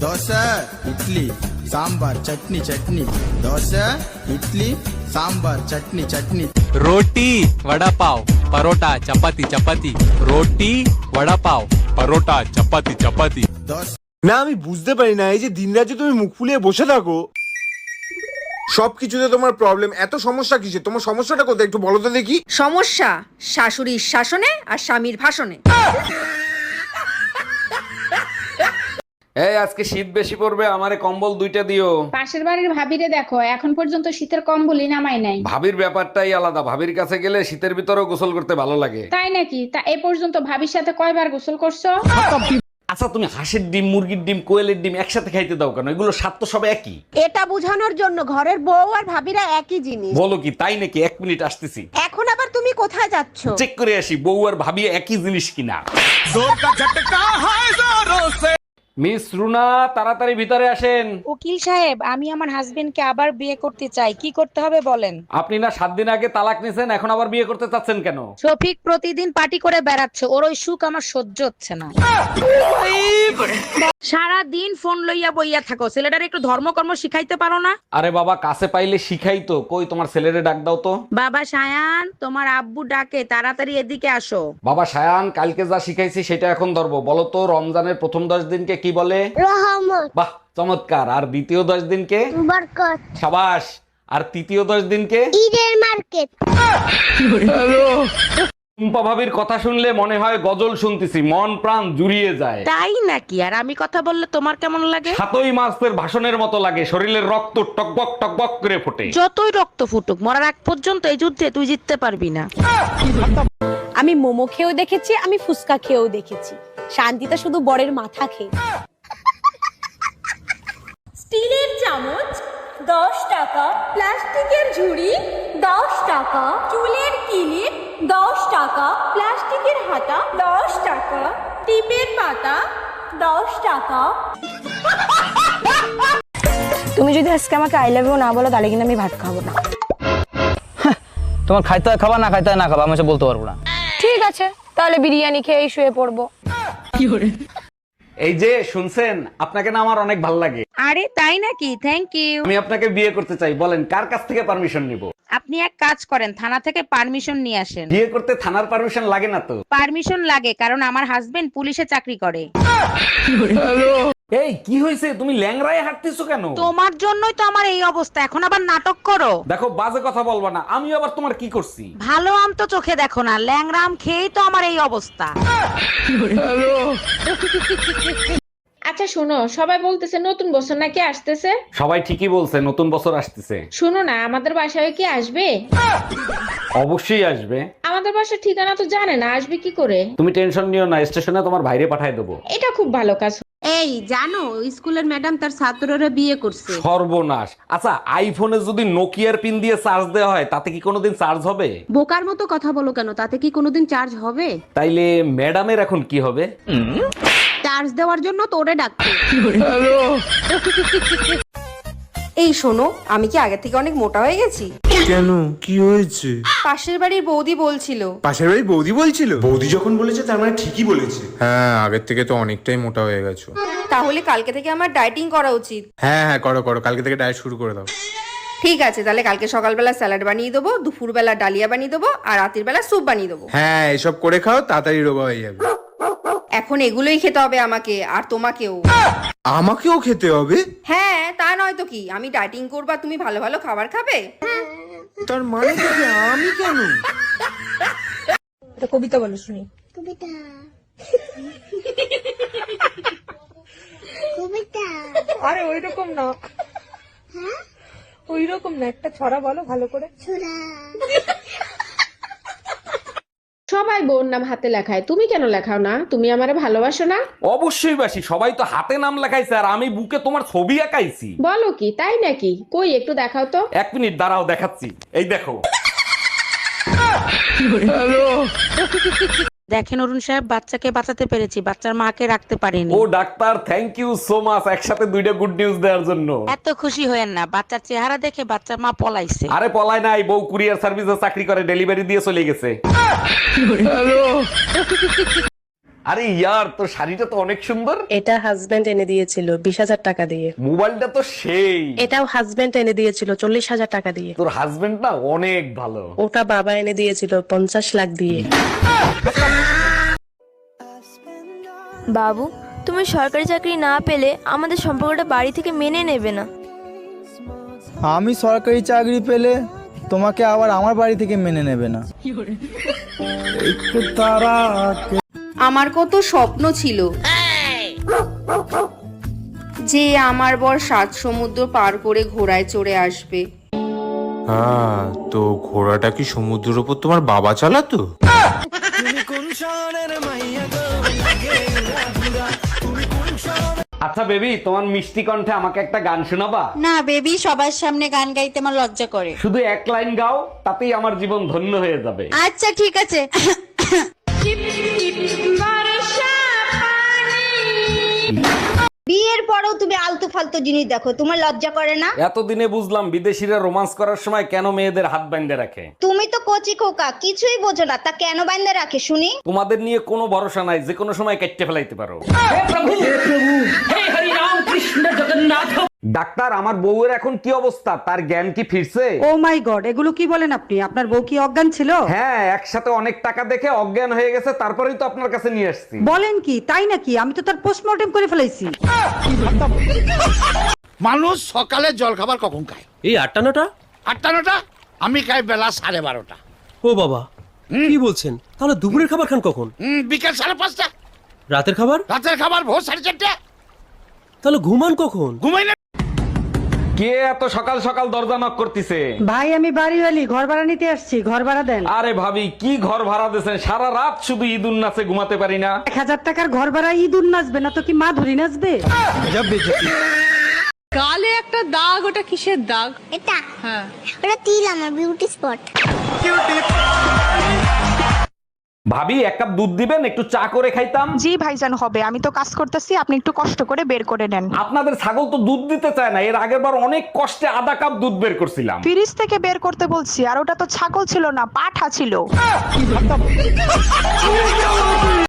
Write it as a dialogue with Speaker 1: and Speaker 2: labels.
Speaker 1: దోశ ఇడ్లీ సాంబార్ చట్నీ చట్నీ దోశ ఇడ్లీ సాంబార్ చట్నీ చట్నీ
Speaker 2: रोटी वड़ा पाव परोटा चपाती चपाती रोटी वड़ा पाव परोटा चपाती चपाती
Speaker 1: దోశ
Speaker 3: না আমি বুঝতে পারি না এই যে দিনরাত যে তুমি মুখ ফুলিয়ে বসে থাকো সবকিছুতে তোমার প্রবলেম, এত সমস্যা কিসে? তোমার সমস্যাটা কোথায় একটু বলো তো দেখি।
Speaker 4: সমস্যা শাশুড়ির শাসনে আর স্বামীর ভাষণে।
Speaker 5: এই আজকে শীত বেশি পড়বে, আমারে কম্বল 2টা দিও।
Speaker 6: পাশের বাড়ির ভাবিরে দেখো, এখন পর্যন্ত শীতের কম্বলই নামাই নাই।
Speaker 5: ভাবির ব্যাপারটাই আলাদা, ভাবির কাছে গেলে শীতের ভিতরেও গোসল করতে ভালো লাগে।
Speaker 6: তাই নাকি? তা এ পর্যন্ত ভাবির সাথে কয়বার গোসল করছো?
Speaker 5: আচ্ছা তুমি হাঁসের ডিম, মুরগির ডিম, কোয়েলের ডিম একসাথে খাইতে দাও কেন? এগুলো স্বাদ তো সব একই।
Speaker 7: এটা বোঝানোর জন্য ঘরের বউ আর ভাবিরা একই জিনিস।
Speaker 5: বলো কি তাই নাকি? 1 মিনিট আসতেছি।
Speaker 7: এখন আবার তুমি কোথায় যাচ্ছ?
Speaker 5: চেক করে আসি বউ আর ভাবি একই জিনিস কিনা। মিস রুনা তাড়াতাড়ি ভিতরে আসেন।
Speaker 8: উকিল সাহেব, আমি আমার হাজবেন্ডকে আবার বিয়ে করতে চাই, কি করতে হবে বলেন?
Speaker 5: আপনি না 7 দিন আগে তালাক নিছেন, এখন আবার বিয়ে করতে চাচ্ছেন কেন?
Speaker 8: শফিক প্রতিদিন পার্টি করে বেড়াচ্ছে, ওর ওই সুখ আমার সহ্য হচ্ছে না। সারা দিন ফোন লইয়া বইয়া থাকো, ছেলেটার একটু ধর্মকর্ম শিখাইতে পারো না?
Speaker 5: আরে বাবা কাছে পাইলে শিখাই তো। কই তোমার ছেলেরে ডাক দাও তো।
Speaker 8: বাবা সায়ান, তোমার আব্বু ডাকে, তাড়াতাড়ি এদিকে আসো।
Speaker 5: বাবা সায়ান, কালকে যা শিখাইছি সেটা এখন ধরবো। বলো তো রমজানের প্রথম 10 দিনকে কি বলে?
Speaker 7: রহমত,
Speaker 5: বাহ চমৎকার। আর দ্বিতীয় 10 দিনকে?
Speaker 7: বরকত,
Speaker 5: সাবাস। আর তৃতীয় 10 দিনকে?
Speaker 7: ঈদের মার্কেট।
Speaker 5: টুম্পা ভাবির কথা শুনলে মনে হয় গজল শুনতেছি, মন প্রাণ জুড়িয়ে যায়।
Speaker 8: তাই নাকি? আর আমি কথা বললে তোমার কেমন লাগে?
Speaker 5: 7ই মাসের ভাষণের মতো লাগে, শরীরের রক্ত টকবক টকবক করে ফোটে।
Speaker 8: যতই রক্ত ফুটুক, মরার আগ পর্যন্ত এই যুদ্ধে তুই জিততে পারবি না।
Speaker 9: আমি মোমো খেয়েও দেখেছি, আমি ফুচকা খেয়েও দেখেছি, শান্তিটা শুধু বরের মাথা খেয়ে।
Speaker 7: স্টিলের চামচ 10 টাকা, প্লাস্টিকের ঝুড়ি 10 টাকা, চুলের কিলিপ 10 টাকা, প্লাস্টিকের হাতা 10 টাকা, টিপের পাতা 10 টাকা।
Speaker 9: তুমি যদি আজকে আমাকে আই লাভ ইউ না বলো, তাহলে কিন্তু আমি ভাত খাবো না।
Speaker 10: তোমার খাইতে হয় খাবা, না খাইতে হয় না খাবা, আমি সে বলতে পারবো না।
Speaker 9: ঠিক আছে, তাহলে বিরিয়ানি খেয়ে শুয়ে পড়বো।
Speaker 5: এই যে শুনছেন, আপনাকে না আমার অনেক ভালো লাগে।
Speaker 8: আরে তাই নাকি? Thank you.
Speaker 5: আমি আপনাকে বিয়ে করতে চাই। বলেন কার কাছ থেকে পারমিশন নিব?
Speaker 8: আপনি এক কাজ করেন, থানা থেকে পারমিশন নিয়ে আসেন।
Speaker 5: বিয়ে করতে থানার পারমিশন লাগে না তো?
Speaker 8: পারমিশন লাগে, কারণ আমার হাজবেন্ড পুলিশে চাকরি করে।
Speaker 5: এই কি হয়েছে? তুমি ল্যাংড়ায় হাঁটতেছো কেন?
Speaker 8: তোমার জন্যই তো আমার এই অবস্থা, এখন আবার নাটক করো।
Speaker 5: দেখো বাজে কথা বলবা না, আমি আবার তোমার কি করছি?
Speaker 8: ভালো আম তো চোখে দেখো না, ল্যাংড়া আম খেয়েই তো আমার এই অবস্থা।
Speaker 6: আচ্ছা শোনো, সবাই বলতেছে নতুন বছর নাকি আসতেছে।
Speaker 5: সবাই ঠিকই বলছে, নতুন বছর আসতেছে।
Speaker 6: শোনো না, আমাদের বাসায় কি আসবে?
Speaker 5: অবশ্যই আসবে।
Speaker 6: আমাদের বাসার ঠিকানা তো জানে না, আসবে কি করে?
Speaker 5: তুমি টেনশন নিও না, স্টেশনে তোমার ভাইরে পাঠায় দেবো।
Speaker 6: এটা খুব ভালো কাজ।
Speaker 4: এই জানো, স্কুলের ম্যাডাম তার ছাত্ররা বিয়ে করছে।
Speaker 5: সর্বনাশ। আচ্ছা আইফোনে যদি নোকিয়ার পিন দিয়ে চার্জ দেওয়া হয়, তাতে কি কোনোদিন চার্জ হবে?
Speaker 4: বোকার মতো কথা বলো কেন, তাতে কি কোনোদিন চার্জ হবে?
Speaker 5: তাইলে ম্যাডামের এখন কি হবে?
Speaker 4: চার্জ দেওয়ার জন্য তোরে ডাকছে।
Speaker 7: এই শোনো, আমি কি আগে থেকে অনেক মোটা হয়ে গেছি?
Speaker 3: কেন, কি হয়েছে?
Speaker 7: পাশের বাড়ির বৌদি বলছিল।
Speaker 3: পাশের বাড়ি বৌদি বলছিল? বৌদি যখন বলেছে তার মানে ঠিকই বলেছে। হ্যাঁ, আগের থেকে তো অনেকটাই মোটা হয়ে গেছো।
Speaker 7: তাহলে কালকে থেকে আমার ডায়েটিং করা উচিত।
Speaker 3: হ্যাঁ হ্যাঁ, করো করো, কালকে থেকে ডায়েট শুরু করে দাও।
Speaker 7: ঠিক আছে, তাহলে কালকে সকালবেলা স্যালাড বানিয়ে দেবো, দুপুরবেলা ডালিয়া বানিয়ে দেবো, আর রাতের বেলা স্যুপ বানিয়ে দেবো।
Speaker 3: হ্যাঁ, এসব করে খাও, তাড়াতাড়ি রোগা হয়ে যাবে।
Speaker 7: এখন এগুলোই খেতে হবে আমাকে, আর তোমাকেও।
Speaker 3: আমাকেও খেতে হবে?
Speaker 7: হ্যাঁ, তা নয় তো কি, আমি ডায়েটিং করবা, তুমি ভালো ভালো খাবার খাবে।
Speaker 3: তার মানে কি আমি কেন?
Speaker 9: কবিতা বলো শুনি। আরে ওইরকম না, ওইরকম না, একটা ছড়া বলো ভালো করে।
Speaker 6: সবাই বোন নাম হাতে লেখায়, তুমি কেন লেখাও না? তুমি আমারে ভালোবাসো না?
Speaker 5: অবশ্যই বাসি, সবাই তো হাতে নাম লেখাইছে আর আমি বুকে তোমার ছবি আঁকাইছি।
Speaker 6: বলো কি, তাই নাকি? কই একটু দেখাও তো।
Speaker 5: 1 মিনিট দাঁড়াও, দেখাচ্ছি। এই দেখো।
Speaker 8: দেখেন অরুণ সাহেব, বাচ্চাকে বাঁচাতে পেরেছি, বাচ্চার মাকে রাখতে পারিনি।
Speaker 5: ও doctor, thank you so much, একসাথে 2টা গুড নিউজ দেওয়ার জন্য।
Speaker 8: এত খুশি হয়েন না, বাচ্চার চেহারা দেখে বাচ্চার মা পলাইছে।
Speaker 5: আরে পলায় নাই, বউ কুরিয়ার সার্ভিসে চাকরি করে, ডেলিভারি দিয়ে চলে গেছে। আরে ইয়ার, তোর শাড়িটা তো অনেক সুন্দর।
Speaker 8: এটা হাজবেন্ড এনে দিয়েছিল 20,000 টাকা দিয়ে।
Speaker 5: মোবাইলটা তো সেই।
Speaker 8: এটাও হাজবেন্ড এনে দিয়েছিল 40,000 টাকা দিয়ে।
Speaker 5: তোর হাজবেন্ড না অনেক ভালো।
Speaker 8: ওটা বাবা এনে দিয়েছিল 50 লাখ দিয়ে।
Speaker 9: বাবু, তুমি সরকারি চাকরি না পেলে আমাদের সম্পর্কটা বাড়ি থেকে মেনে নেবে না।
Speaker 1: আমি সরকারি চাকরি পেলে তোমাকে আবার আমার বাড়ি থেকে মেনে নেবে না।
Speaker 7: আমার কত স্বপ্ন ছিল যে আমার বর 7 সমুদ্র পার করে ঘোড়ায় চড়ে আসবে।
Speaker 3: হ্যাঁ, তো ঘোড়াটা কি সমুদ্রের উপর তোমার বাবা চালাতো?
Speaker 5: আচ্ছা বেবি, তোমার মিষ্টি কণ্ঠে আমাকে একটা গান শোনাবা?
Speaker 8: না বেবি, সবার সামনে গান গাইতে আমার লজ্জা করে।
Speaker 5: শুধু এক লাইন গাও, তাতেই আমার জীবন ধন্য হয়ে যাবে।
Speaker 8: আচ্ছা ঠিক আছে।
Speaker 9: বিয়ের পরেও তুমি আলতু ফালতু জিনিস দেখো, তোমার লজ্জা করে না?
Speaker 5: এতদিনে বুঝলাম বিদেশিরা রোমান্স করার সময় কেন মেয়েদের হাত বাইন্ধে রাখে।
Speaker 9: তুমি তো কচি খোকা, কিছুই বোঝো না, তা কেন বাইন্ধে রাখে শুনি?
Speaker 5: তোমাদের নিয়ে কোনো ভরসা নাই, যে কোনো সময় কেটে ফেলাইতে পারো। ডাক্তার, আমার বউয়ের এখন কি অবস্থা? তার জ্ঞান কি ফিরছে?
Speaker 8: ও মাই গড, এগুলো কি বলেন আপনি? আপনার বউ কি অজ্ঞান ছিল?
Speaker 5: হ্যাঁ, একসাথে অনেক টাকা দেখে অজ্ঞান হয়ে গেছে, তারপরেই তো আপনার কাছে নিয়ে আসছি।
Speaker 8: বলেন কি, তাই নাকি? আমি তো তার পোস্টমর্টেম করে ফেলাইছি।
Speaker 1: মানুষ সকালে জল খাবার কখন খায়?
Speaker 10: এই 8টা
Speaker 1: 8টা। আমি খাই বেলা 12:30।
Speaker 10: ও বাবা, কি বলছেন? তাহলে দুপুরের খাবার খান কখন?
Speaker 1: বিকেল 5:30।
Speaker 10: রাতের খাবার?
Speaker 1: রাতের খাবার ভোর 4:30।
Speaker 10: তাহলে ঘুমান কখন?
Speaker 1: ঘুমাই না।
Speaker 5: কে এত সকাল সকাল দরজা নক করতেছে?
Speaker 8: ভাই আমি বাড়িওয়ালি, ঘর ভাড়া নিতে আসছি, ঘর ভাড়া দেন।
Speaker 5: আরে ভাবি, কি ঘর ভাড়া দিয়েছেন? সারা রাত শুধু ঈদুন নাচে ঘুমাতে পারি না।
Speaker 8: 1000 টাকার ঘর ভাড়া ইঁদুর নাচবে না তো কি মা ধরি নাচবে?
Speaker 4: গালে একটা দাগ, ওটা কিসের দাগ?
Speaker 9: এটা হ্যাঁ, ওটা তিল, আমার বিউটি স্পট।
Speaker 5: ভাবি, 1 কাপ দুধ দিবেন, একটু চা করে খাইতাম।
Speaker 8: জি ভাইজান হবে, আমি তো কাজ করতেছি, আপনি একটু কষ্ট করে বের করে নেন।
Speaker 5: আপনাদের ছাগল তো দুধ দিতে চায় না। এর আগের বার অনেক কষ্টে আধা কাপ দুধ বের করছিলাম।
Speaker 8: ফ্রিজ থেকে বের করতে বলছি, আর ওটা তো ছাগল ছিল না, পাঠা ছিল।